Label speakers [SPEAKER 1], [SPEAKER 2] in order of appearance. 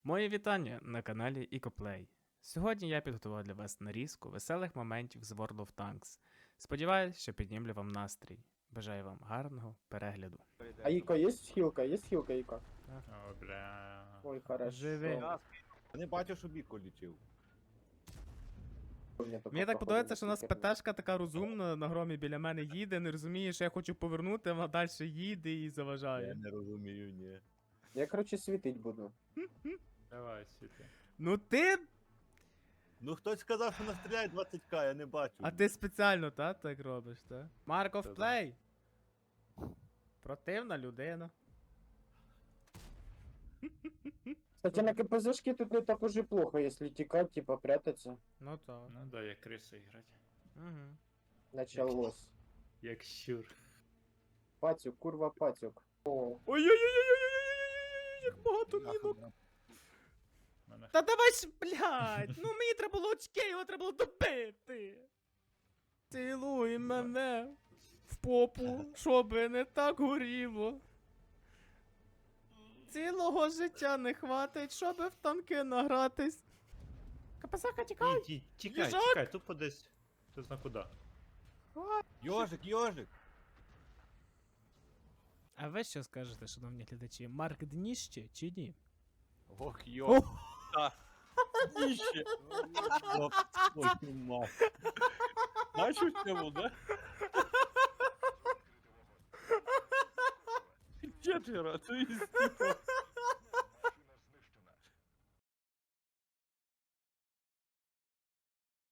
[SPEAKER 1] Моє вітання на каналі EcoPlay. Сьогодні я підготував для вас нарізку веселих моментів з World of Tanks. Сподіваюсь, що піднімлю вам настрій. Бажаю вам гарного перегляду.
[SPEAKER 2] А Ика есть хилка? Есть хилка, Ика?
[SPEAKER 3] О, бля.
[SPEAKER 2] Ой, хорошо.
[SPEAKER 1] Живи.
[SPEAKER 4] Я не бачив, що Біко лічив.
[SPEAKER 1] Мені так подобається, що у нас ПТшка така розумна, на громі біля мене їде, не розуміє, що я хочу повернути, а вона далі їде і
[SPEAKER 4] Я
[SPEAKER 1] заважає.
[SPEAKER 4] не розумію, ні.
[SPEAKER 2] Я, короче, світить буду.
[SPEAKER 3] Давай, світи.
[SPEAKER 1] Ну ти.
[SPEAKER 4] Ну хтось сказав, що настріляє 20к, я не бачу.
[SPEAKER 1] А ти спеціально, так робиш, так? Mark of
[SPEAKER 4] Та-да.
[SPEAKER 1] Play. Противна людина.
[SPEAKER 2] Кстати, на КПЗшке тут не так уж и плохо, если текать, типа прятаться.
[SPEAKER 1] Ну так.
[SPEAKER 3] Ну да, як криса грати.
[SPEAKER 1] Угу.
[SPEAKER 2] Началось.
[SPEAKER 3] Як щур.
[SPEAKER 2] Патюк, курва, патюк. О,
[SPEAKER 1] Ой-ой-ой-ой-ой-ой-ой-ой, як багато мінок.
[SPEAKER 3] Мене
[SPEAKER 1] Та давай ж, блядь, ну мені треба було очки, його треба було добити. Цілуй мене в попу, щоби не так горіло. Цілого життя не хватить, щоби в танки награтись. Капасака, тікай!
[SPEAKER 3] Тікай,
[SPEAKER 1] Їжак!
[SPEAKER 3] тікай, тупо десь. Хто зна куди.
[SPEAKER 4] Йожик, йожик!
[SPEAKER 1] А ви що скажете, шановні глядачі, Марк дніще чи ні?
[SPEAKER 4] Ох, йожик. Та. Ніще. Ой, ти мать. Знаєш у цьому, да? Четверо, то есть типа.